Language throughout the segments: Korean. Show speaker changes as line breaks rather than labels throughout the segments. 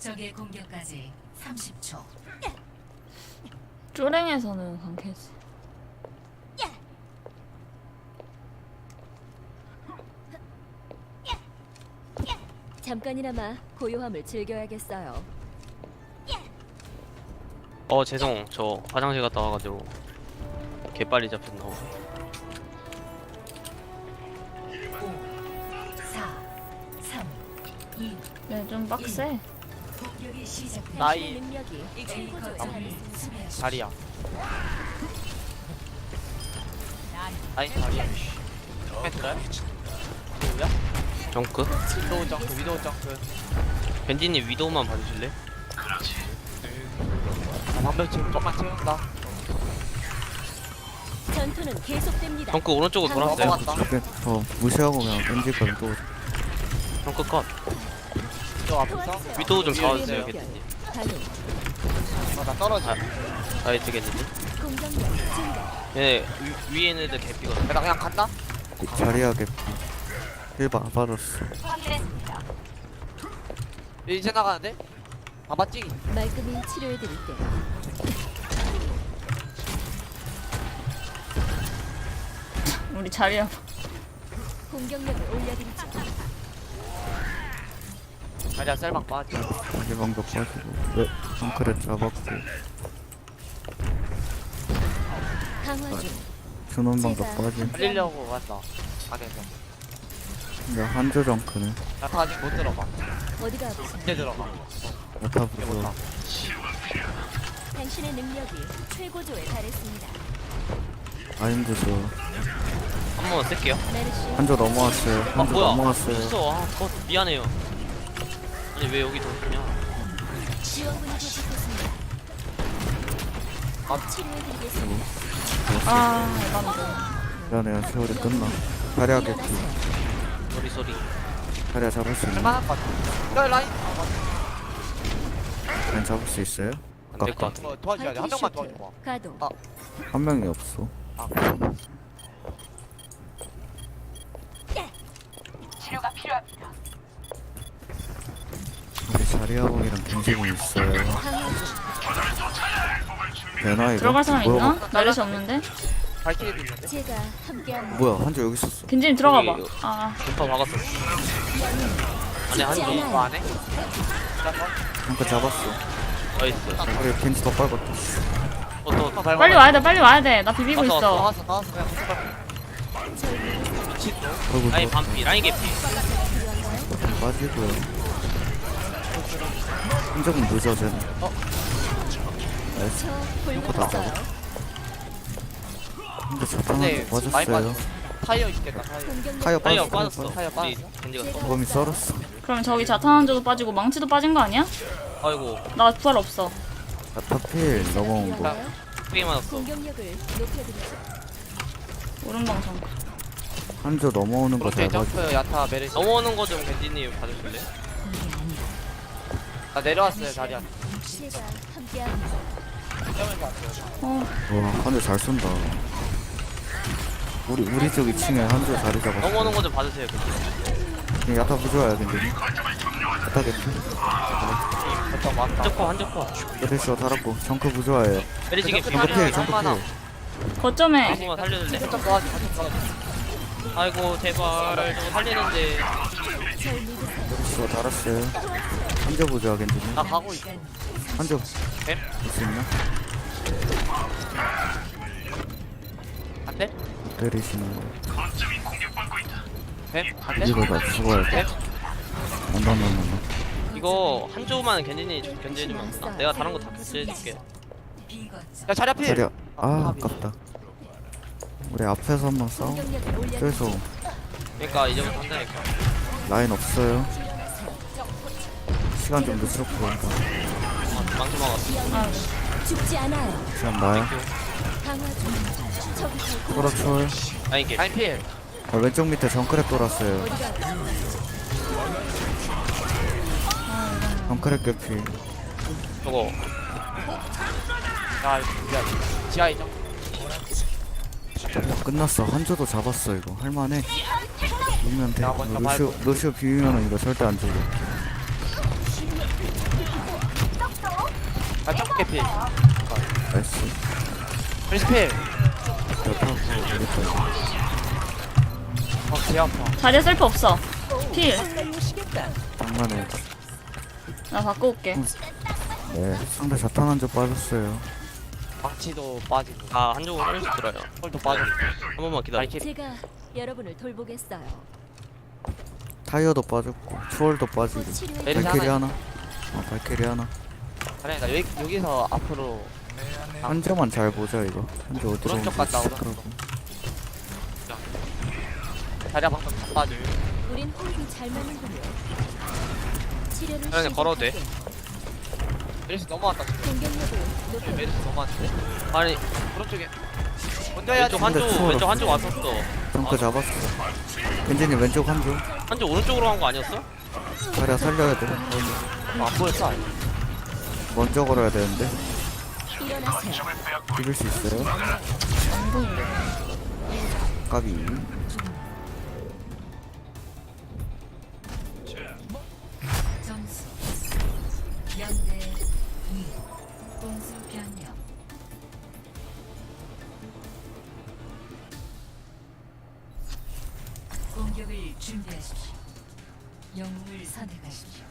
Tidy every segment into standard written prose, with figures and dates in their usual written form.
적의 공격까지 30초.
쪼랭에서는 강캐지.
잠깐이나마 고요함을 즐겨야겠어요.
죄송. 저 화장실 갔다 와가지고 개빨리 잡혔나 보네.
5, 4, 3, 2,
네, 좀 빡세.
공격이 시작됩니다.
나이
능력이
A
최고조에
거점을
달했습니다.
수비하십시오.
자리야. 나이 자리야. 멘트야? 누구야?
정크?
위도우 점프, 위도우 점프.
벤디님 위도우만 봐주실래?
방벽 지금 조금만 채운다.
전투는 계속됩니다.
정크 오른쪽으로 돌았어요.
넘어갔다.
무시하고 그냥 던질거든 또.
정크 컷.
저 앞에서.
위도우 좀
치유의
잡아주세요,
물결.
겐디님.
가동.
나 떨어져.
나이스 겐디님.
공격력 증가.
얘네 위에 있는 애들 개피거든.
나 그냥 간다.
자리하게 힐 받았어.
이제 나가는데? 봐봤지?
말끔히 치료해드릴게.
우리 자리야.
공격력을 올려드리죠.
자리야 셀방 빠지.
자리 방벽 빠지고. 네, 덩크를 잡았고.
강화 중.
준원 방벽 빠짐.
살리려고 간다. 안에서.
근데 한조 덩크네.
나 아직 못 들어가.
어디가 아프세요?
이제 들어가.
야타
이제
부조.
못 타.
당신의 능력이 최고조에 달했습니다.
아임드 줘.
한 번만 쓸게요.
메르시.
한조 넘어왔어요.
아
한조
뭐야?
넘어왔어요.
있어. 컷 미안해요. 아니 왜 여기 던지냐?
지원군이 도착했습니다. 치료해드리겠습니다.
아, 이건
미안해요. 세월이 끝나. 자리하게
소리.
자리야 잡을 수 있나?
할만할 것 같아. 야 라인.
난 잡을 수 있어요?
안 될 것 같아.
도와줘야 돼. 한 명만 도와줘.
가동.
한 명이 없어.
아.
우리 자리하고이랑 갱지공 있어요.
강화 중.
되나 이거?
들어갈 사람 있나?
뭐야,
나르시 없는데?
발키리도 있는데.
제가 함께합니다.
뭐야 한조 여기 있었어.
겐지님 들어가 봐.
여기,
아,
분파 박았어. 안에 한
죽지
개.
않아요.
이거 안 해?
잠깐 잡았어.
나이스.
우리 겐지 더 빨갛다.
또
빨리 와야 돼, 빨리 와야 돼. 나 비비고
왔어,
있어.
나왔어. 그냥 무슨 말. 미친 너.
어이구
라인 반피. 라인 개피.
빠지고요. 한조금 늦어 쟤는. 나이스.
저 불렀어요.
근데 자탄
근데
한조
많이
빠졌어요.
빠졌어. 타이어 있겠다. 타이어.
공격력
타이어
타이어
빠졌어.
빠졌어.
타이어
우리
빠졌어.
겐지가 써.
범이 썰었어.
그럼 저기 자탄 한조도 빠지고 망치도 빠진 거 아니야?
아이고
나 부활 없어.
아타필 넘어온 거.
크게 맞았어.
공격력을 높여드리죠.
오른방 정.
한조 넘어오는 거 잘
오른쪽
봐줘.
점프 야타 메르시.
넘어오는 거 좀 겐지님 봐주실래?
나 내려왔어요 자리야.
제가 함께합니다.
점에서 왔어요.
와 한조 잘 쏜다. 우리 쪽 2층에 한조 자리 잡았어.
넘어오는 거 좀 봐주세요. 겐지.
야타 부조야 근데. 야타 개피.
어떤 왔다.
한쪽 거.
메르시가 달았고 정크 부조화예요.
메리지 개피.
정크 필 정크
얼마나?
필.
거점에
한번만 살려줄래?
좀 도와줘.
아이고 제발 저거 살리는데.
절 믿으세요.
메르시가 달았어요. 한조 부조화 겐지니.
나 가고 있어.
한조
뱀?
볼수 있나?
안 돼?
때리시는 거.
뱀? 안 돼?
이거 나 죽어야 돼.
뱀?
안다나나.
이거 한 조만 겐지니 견제해주면 안 되나? 내가 다른 거 다 견제해줄게.
B 거점.
야 자리 앞에.
자리야. 아 아깝다. 우리 앞에서 한번 싸워.
공격력을 올려드리죠.
저기서
그러니까 이제부터 한다니까.
라인 없어요. 시간 좀 늦었고
망치 막았어.
아,
죽지 않아요.
시간 나요.
강화 중. 저기 저
그렇죠.
라인 개피.
라인 필.
왼쪽 밑에 정크랩 돌았어요.
어디가 아프세요?
정크랩 개피.
저거
야 미안. 지하에 점.
끝났어. 한조도 잡았어 이거. 할만해. 이기면 돼.
야, 먼저
루시오 비비면은 이거 절대 안 죽어.
아 짝게 필.
나이스.
프리스필.
야타고 우리까지.
개 아파.
자리에 셀프 없어. 필.
장난해.
나 바꿔 올게.
네. 상대 자탄 한조 빠졌어요.
방치도 빠지고.
아 한쪽으로 한 번씩 들어요.
홀도 빠지고.
한 번만 기다려.
발키리.
제가 여러분을 돌보겠어요.
타이어도 빠졌고 추월도 빠지고.
곧 치료해
메르시
발키리
하나.
하나. 발키리 하나.
아니 나 여기서 앞으로
한조만 잘 보자 이거. 한조 어디로
오른쪽 갔다, 오른쪽. 자리야 방금 다 빠져.
우린 호흡이 잘 맞는군요. 치료를
그냥 걸어도 돼.
메르시 넘어왔다 지금.
공격력을 높여
메르시 넘어왔는데.
아니
오른쪽에. 먼저 해야지.
왼쪽 한쪽
추월
왼쪽 한쪽
없어.
왔었어.
정크 잡았어. 겐진이 왼쪽 한조.
한쪽 오른쪽으로 간 거 아니었어?
자리야 살려야 돼.
안 보였어. 아니.
먼저 걸어야 되는데.
일어나세요.
비빌 수 있어요? 까비.
점수 0대 2 공수 변경. 공격을 준비하십시오. 영웅을 선택하십시오.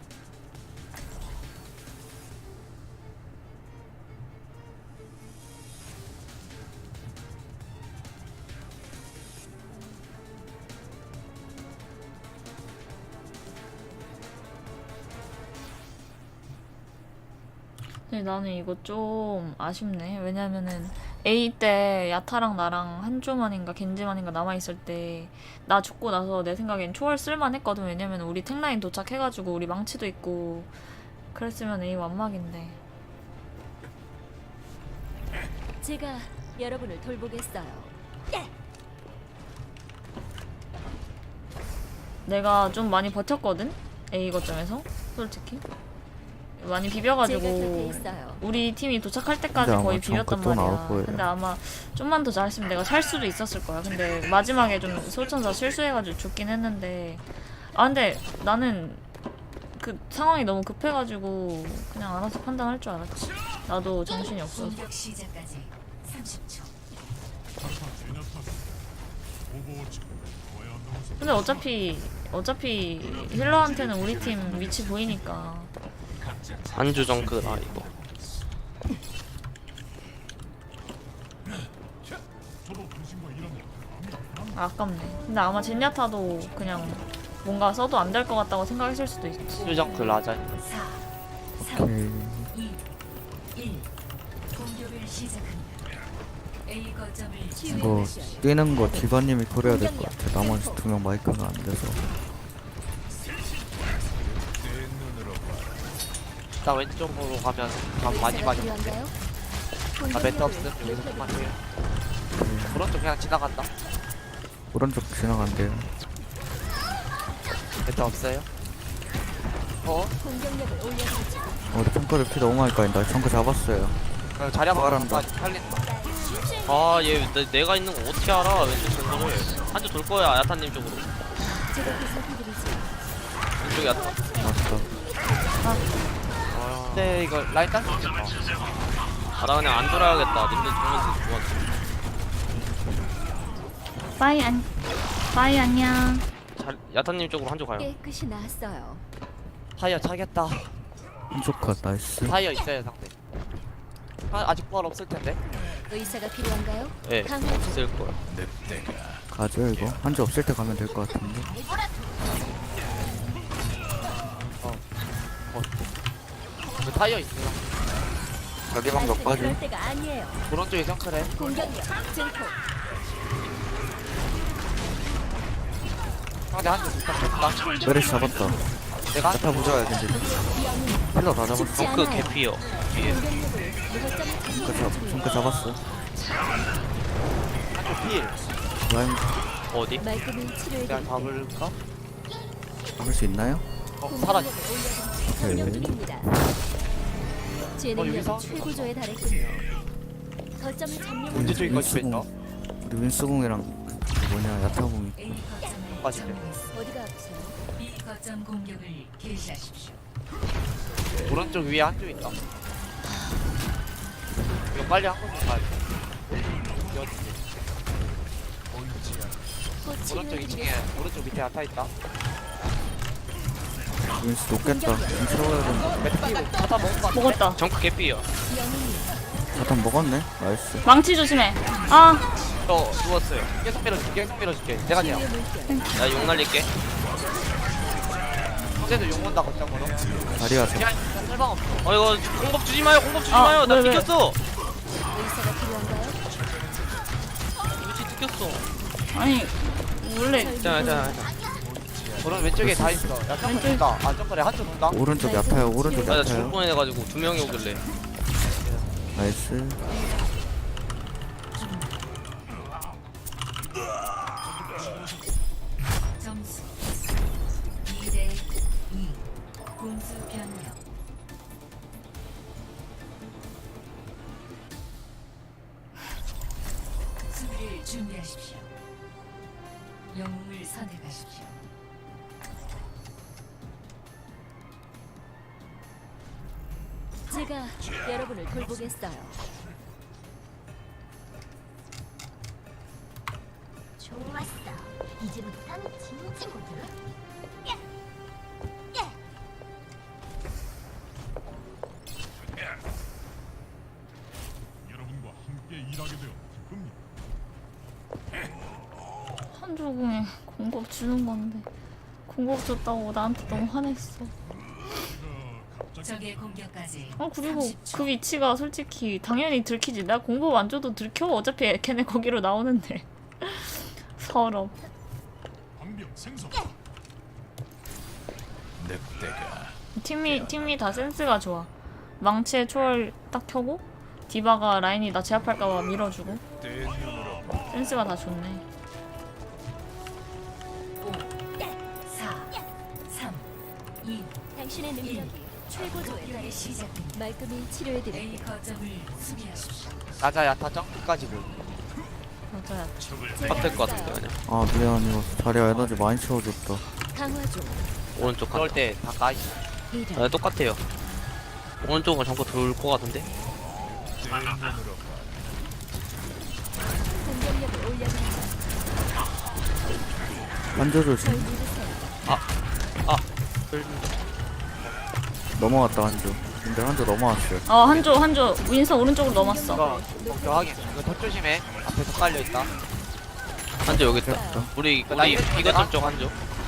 근데 나는 이거 좀 아쉽네. 왜냐면은 A 때 야타랑 나랑 한조만인가 겐지만인가 남아있을 때 나 죽고 나서 내 생각엔 초월 쓸만했거든. 왜냐면 우리 탱라인 도착해가지고 우리 망치도 있고 그랬으면 A 완막인데.
제가 여러분을 돌보겠어요.
내가 좀 많이 버텼거든? A 거점에서 솔직히 많이
제가 곁에
비벼가지고
있어요.
우리 팀이 도착할 때까지
근데
거의
아마 정크
비볐단
또 나올
말이야.
거예요.
근데 아마 좀만 더 잘했으면 내가 살 수도 있었을 거야. 근데 마지막에 좀 솔천사 실수해가지고 죽긴 했는데 아 근데 나는 그 상황이 너무 급해가지고 그냥 알아서 판단할 줄 알았지. 나도 정신이 없어서.
공격 시작까지 30초.
근데 어차피 힐러한테는 우리 팀 위치 보이니까.
한주 정크다 이거.
아깝네. 근데 아마 젠야타도 그냥 뭔가 써도 안 될 것 같다고 생각했을 수도 있지.
수정크 라자.
4 3
오케이.
2 1 공격을 시작합니다. A 거점을
이거 뛰는 거 디바님이 그려야 될 것 같아. 나머지 2명 마이크가 안 돼서.
나 왼쪽으로 가면 감 많이 많이.
필요한가요?
나 멘트 없음. 여기서 좀만 해. 오른쪽 그냥 지나간다.
오른쪽 지나간대요.
멘트 없어요.
공격력을 올려주지.
우리 탱커를 피 너무 많이 까인다. 정크 잡았어요.
그럼 자리야
부활한다.
살린다.
아얘 내가 있는 거 어떻게 알아? 왼쪽 정크를 한쪽 돌 거야 야타님 쪽으로.
제가 보살펴드리지.
왼쪽 야타.
맞다.
근데 이거 라인 딴 수 있겠다.
아나 그냥 안 돌아야겠다. 님들 보면서 좋았어.
빠이 안녕.
야타님 쪽으로 한쪽 가요.
깨끗이 나았어요.
타이어 차겠다.
한쪽 컷 나이스.
타이어 있어요 상대. 아직 부활 없을 텐데.
의사가 필요한가요?
예,
강화
있을 거야.
가죠 이거. 한조 없을 때 가면 될 것 같은데.
그 타이어 있어요.
자기 방법 빠지.
그럴 때가 아니에요.
오른쪽에 정크래.
공격력 증폭.
상대 한대 부탁했다.
메르시 잡았다.
내가
야타 부자야 근데. 힐러 다 잡았어.
죽지
정크
않아요.
개피요. 뒤에.
공격력을 무거점을
정크 잡았어.
한쪽 필.
라인
어디?
말끔히
그냥
치료해드릴게요.
잡을까?
잡을 수 있나요?
사라져.
설명드립니다. 제
여기서?
능력은 최고조에 달했군요. 거점을 점령.
문제 쪽인 거지 뺐다.
우리 윈스공이랑 그 뭐냐 야타공이.
A 거점을
맞을게.
점령했습니다.
어디가 아프세요?
B 거점 공격을 개시하십시오.
오른쪽 위에 한쪽 있다. 이거 빨리 한 번씩 가야 돼.
곧
오른쪽 2층에
치료해드리겠습니다.
오른쪽 밑에 아타 있다.
윈스 높겠다. 윈 채워야 된다.
매트 타다 먹은 거 같아.
먹었다.
정크 개피요.
영웅님,
자탄 먹었네. 나이스.
망치 조심해. 아,
저 누웠어요.
계속 밀어줄게. 계속 밀어줄게. 내가 돼요.
치유의 물결.
나 용 날릴게.
형제도 욕 온다 걱정으로.
다리야 저.
그냥 설방 없어.
이거 공법 주지 마요. 공법 주지
아,
마요. 나
왜, 왜?
뜯겼어.
의사가 필요한가요?
위치 뜯겼어.
아니 원래
자.
오른 왼쪽에 다 있어. 야 점프
왼쪽.
돈다. 아 점프래 한쪽 돈다.
오른쪽 야타요. 오른쪽
나 죽을
야타요.
뻔해가지고 두 명이 오길래.
나이스.
점수 2대2 공수 변경. 수비를 준비하십시오. 영웅을 선택하십시오.
제가 여러분을 돌보겠어요. 좋았어. 이제부터는 진지거든.
여러분과 함께 일하게 되어 기쁩니다.
한조궁에 공법 주는 건데 공법 줬다고 나한테 너무 화냈어.
적의 공격까지
아 그리고
30초.
그 위치가 솔직히 당연히 들키지. 나 공법 안 줘도 들켜. 어차피 걔네 거기로 나오는데. 서럽.
방병 생성.
팀이 다 센스가 좋아. 망치에 초월 딱 켜고 디바가 라인이 나 제압할까봐 밀어주고. 센스가 다 좋네.
5 4 3 2
당신의 능력이 최고조에
공격의
달해
시작입니다.
말끔히 치료해드릴게요.
A 거점을 수비하십시오.
나자 야타 점프까지 보.
맞아요.
빡될 것 같은데 그냥.
아 미안 이거 다리야 에너지 많이 채워줬다.
강화 중.
오른쪽
그럴
가.
때다 까있어.
이런.
똑같아요. 오른쪽은 정크 돌 것 같은데.
공격력을 올려드리죠.
한조 조심.
절 믿으세요.
넘어갔다 한조. 근데 한조 넘어왔어요.
한조 윈서 오른쪽으로 넘었어.
이거 걱정하게. 이거 더 조심해. 앞에 더 깔려 있다.
한조 여기 있다.
됐다.
우리
나이스.
이거 쪽 한조.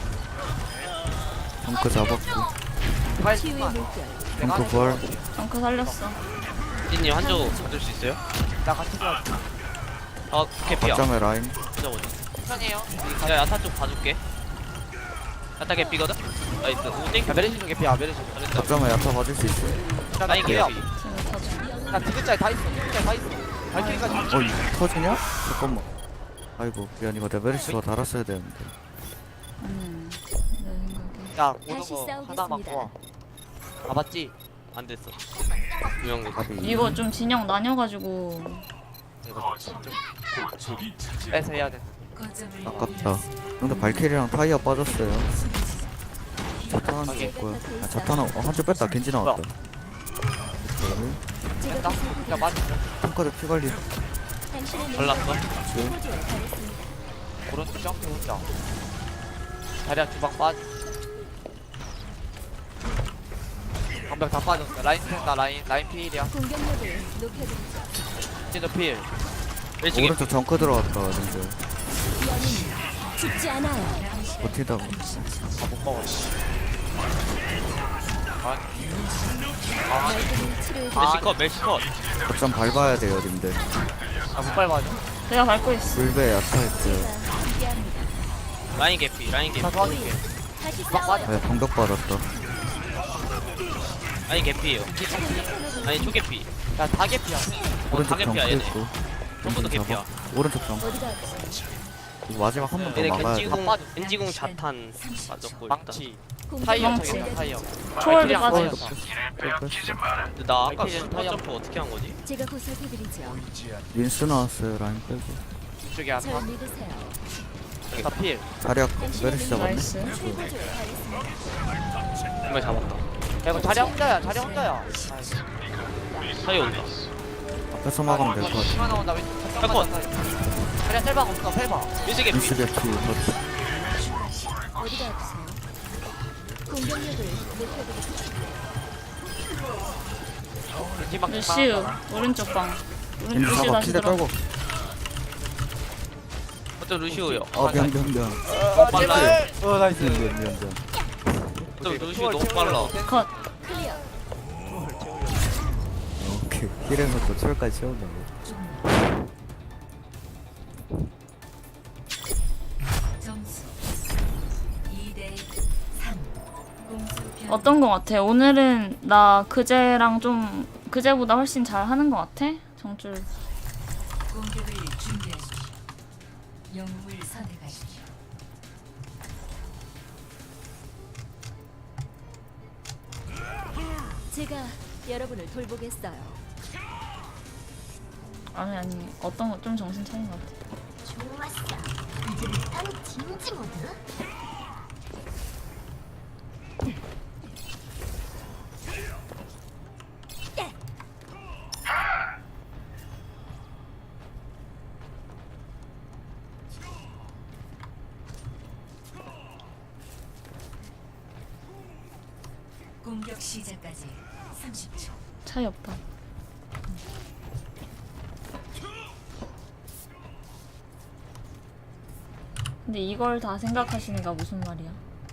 덩크 잡았고.
빨리
치유의
좀만.
물결.
덩크 부활.
덩크 살렸어.
찐님 한조 받을 수 있어요?
나 같이 좋아.
개피야.
거점에 라인.
보자 보자.
편해요.
야 야타 쪽 봐줄게. 야타 개피거든. 나이스. 오 땡큐.
야 메르시 좀 개피야. 메르시.
잘했다.
거점에 야타 맞을 수 있어.
나
라인
개피야.
개피.
지금 터져.
나 디귿자에 다 있어. 디귿자에 다 있어. 발키리까지.
어 이거 터지냐? 잠깐만. 아이고 미안 이거 레베리스가 달았어야 되는데.
내 생각에.
야 오는
다시
거
싸우겠습니다.
하나만 도와. 아 맞지?
안 됐어. 두명
답이
이거 좀 진영 나뉘어가지고
이거 좀 빼서 해야 돼.
거점을
아깝다. 근데 발키리랑 타이어 빠졌어요. 자탄 한조 있고요. 아 자탄 한조 뺐다. 겐지 나왔다.
제가
뺐다.
보살펴드리죠.
야 맞지?
탱커드 피 관리.
당신의 능력이
발랐어?
최고조에 달했습니다.
오른쪽 점프 혼자. 다리야 주방 빠지. 방벽 다 빠졌어. 라인 샌다 라인 필이야.
공격력을 높여드리죠.
진짜 필.
왼쪽에
오른쪽 정크 들어왔다. 근데
영웅 죽지 않아요.
버티다가.
아못 먹어.
말끔히 치료해드리죠.
멜시컷 멜시컷.
거점 밟아야 돼요, 님들.
아못 밟아줘.
내가 밟고 있어.
불배 야타 있어요.
제가 함께합니다.
라인 개피 라인 개피.
다 도와줄게.
다시
주방
싸워요.
빠져.
아 방벽 받았다.
라인 개피예요. 아니 초 개피.
야다 개피야.
오른쪽
가격이야,
정크
얘네.
있고.
전부 다
겐지
개피야.
잡아. 오른쪽 정.
어디가
이거 마지막 한 번 더
얘네
막아야 돼.
겐지궁
빠져.
겐지궁 자탄 맞았고 일단.
망치. 타이어
망치.
저기다 타이어.
초월도
발키리랑
빠져.
타이어.
근데 나 아까
발키리는
슈퍼
타이어.
점프 어떻게 한 거지?
제가 보살펴드리죠.
윈스 나왔어요, 라인 빼고.
이쪽에 안
절
타.
믿으세요.
다 필.
자리야
당신의
메르시 잡았네.
능력이
나이스.
최고조에 달했습니다.
정말 잡았다.
야 이거 자리 혼자야. 자리 혼자야.
사이 온다.
뺏어 막으면 될 것 같아.
시간 나온다 왼쪽
컷.
그냥 셀방 없어 셀방
민식이
루시오 개피.
어디가 아프세요? 공격력을 높여드리죠.
뒷막
루시우 오른쪽 방.
겐지
루시우
잡아.
다시
킬대
들어.
떨고.
어쩜 루시오요.
미안.
빨라.
나이스
미안.
어쩜 루시오 너무 빨라.
컷.
클리어.
오케이. 힐에서 또 철까지 채운다.
점수 2대 3. 공수 변.
어떤 거 같아? 오늘은 나 그제랑 좀 그제보다 훨씬 잘 하는 거 같아? 정줄.
공격을 준비하십시오. 영웅을 선택하십시오.
제가 여러분을 돌보겠어요.
아니 어떤 거 좀 정신 차린 것 같아.
좋았어. 이제 난 진지 모드.
공격 시작까지 30초.
차이 없다. 근데 이걸 다 생각하시니까 무슨 말이야?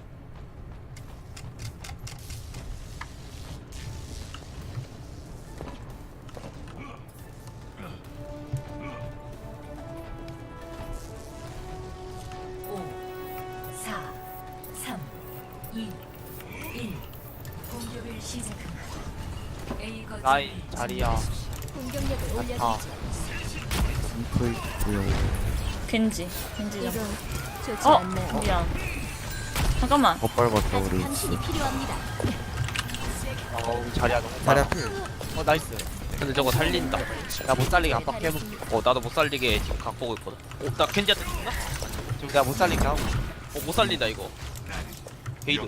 오, 4, 3, 2, 1. 공격을 시작합니다. A 거점을
라인 자리야
공격력을 올려드리죠.
아.
잉크 있고요.
겐지 좀.
이건 좋지
어
않네요.
미안. 잠깐만.
더 빨갛다
아직
우리.
당신이 필요합니다.
어우 자리야 너무
자리
빨라
앞에.
나이스
근데 저거 살린다.
나 못 살리게 압박해볼게
나도 못 살리게 지금 각 보고 있거든. 나 켄지한테 죽나?
지금 내가 못 살리게 하고
못 살린다 이거. 게이드.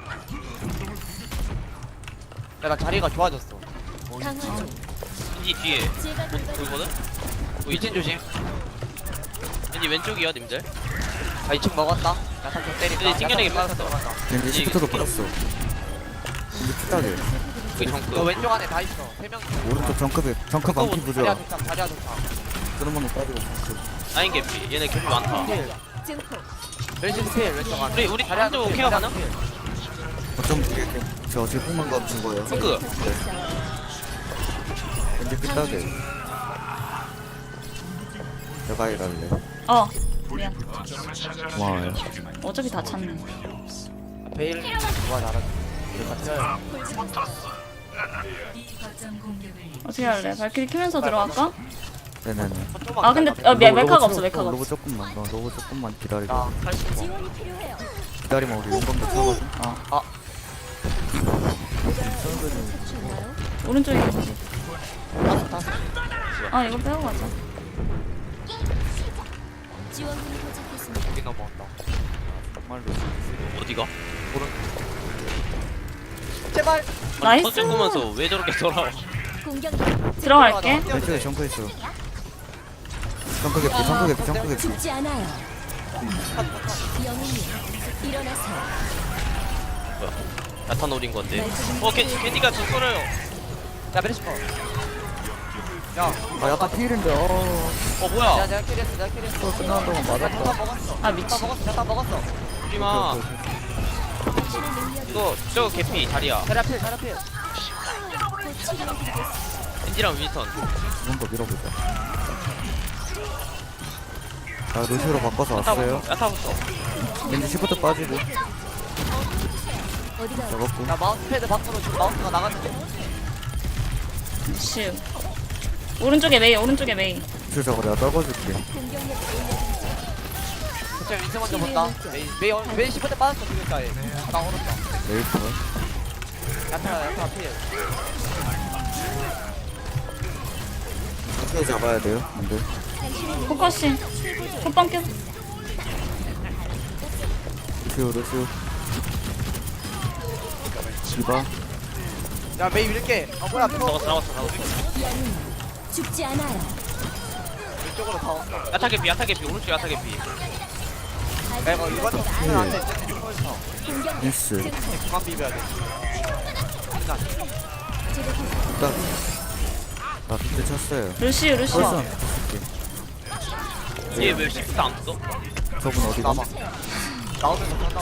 내가 자리가 좋아졌어
강화 중.
켄지 뒤에
제가 돌봐드리죠.
보이거든?
위친 조심
켄지 왼쪽이야 님들.
아 2층 먹었다 야탄 좀 때린다
근데 튕겨내기
야탄
빠졌어.
들어간다.
겐지 시프트도 빠졌어. 겐지 피따게.
그 정크.
너 왼쪽 안에 다 있어 3명
오른쪽 정크 반피 부자.
자리야 좋다 자리야 좋다
그런 거는 빠지고.
라인 개피. 얘네 개피 많다.
필
증폭.
멜시스 필 왼쪽 안에
우리
자리야
한쪽
필,
케어
자리야
가능?
필.
어쩜 저 어제 뽕만 감춘 거예요.
정크.
겐지 피따게. 내가 일할래.
어 미안.
고마워요.
어차피 다 찼네.
베일 누가 잘하지 같아요
B 거점 공격을
어떻게 할래? 발키리 키면서 들어갈까?
네네네.
아 근데 메카가 없어 메카가
로봇
없어.
조금만 더. 로봇 조금만 기다리고.
나 80번
지원이 필요해요.
기다리면 우리 용감도 차거든.
찾으셨나요?
오른쪽에 겐지.
다섯
아 이거 빼고 가자.
지원군이 도착했습니다.
여기 넘어온다
정말로.
어디가?
제발
나이스.
터질 거면서 왜 저렇게 돌아와?
공격력.
들어갈게.
왼쪽에 정크 있어. 정크 개피. 정크 개피.
죽지 않아요. 영웅님 일어나세요.
야타 노린 건데. 켄지가 좀 썰어요.
야 메리시 거 야,
아 약간 필인데.
뭐야?
내가 캐리했어 내가 캐리했어
끝나는 동안 맞았다.
야탄 먹었어
아 미친.
야탄 먹었어
우리마.
당신의 능력이
이거 저거 개피 자리야.
자리야 필 자리야 필
곧 치료해드리겠습니다.
켄지랑 윈스턴.
이 정도 밀어보자. 자 루시로 바꿔서 왔어요.
야타부터.
왠지 시프트 빠지고.
어디가
잡았고.
야 마우스패드 밖으로 지금 마우스가 나갔는데
슈. 오른쪽에 메이 오른쪽에 메이.
줄 저거 내가 떨궈줄게.
공격력을 올려드리죠.
갑자기 윈스 먼저 본다 메이 시프트 빠졌어 지금까지 나 오른다
레이프.
야탄 필
어떻게 잡아야 돼요? 안 돼.
포커싱. 호빵 껴.
루시오. 디바.
야 메이 밀게 뭐야
잡았어.
죽지 않아요.
왼쪽으로 다 온다.
야타 개피 야타 개피 오른쪽 야타 개피.
야 이거 이번 좀 쓰면 안돼. 서있어.
공격
미스.
그만 비벼야 돼. 일단
딱. 나 비트 쳤어요.
루시우 루시우.
벌써
얘왜 시프트 안 써?
저분 어디가?
남아. 나오면서 한다고.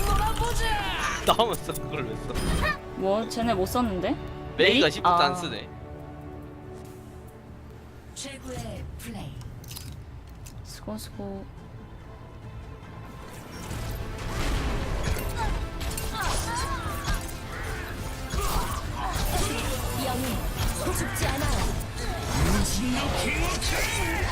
나오면서 그걸 왜 써?
뭐 쟤네 못 썼는데?
메이가
메이?
시프트
아.
안 쓰네.
최고의 플레이.
수고 수고.
영웅 죽지 않아요.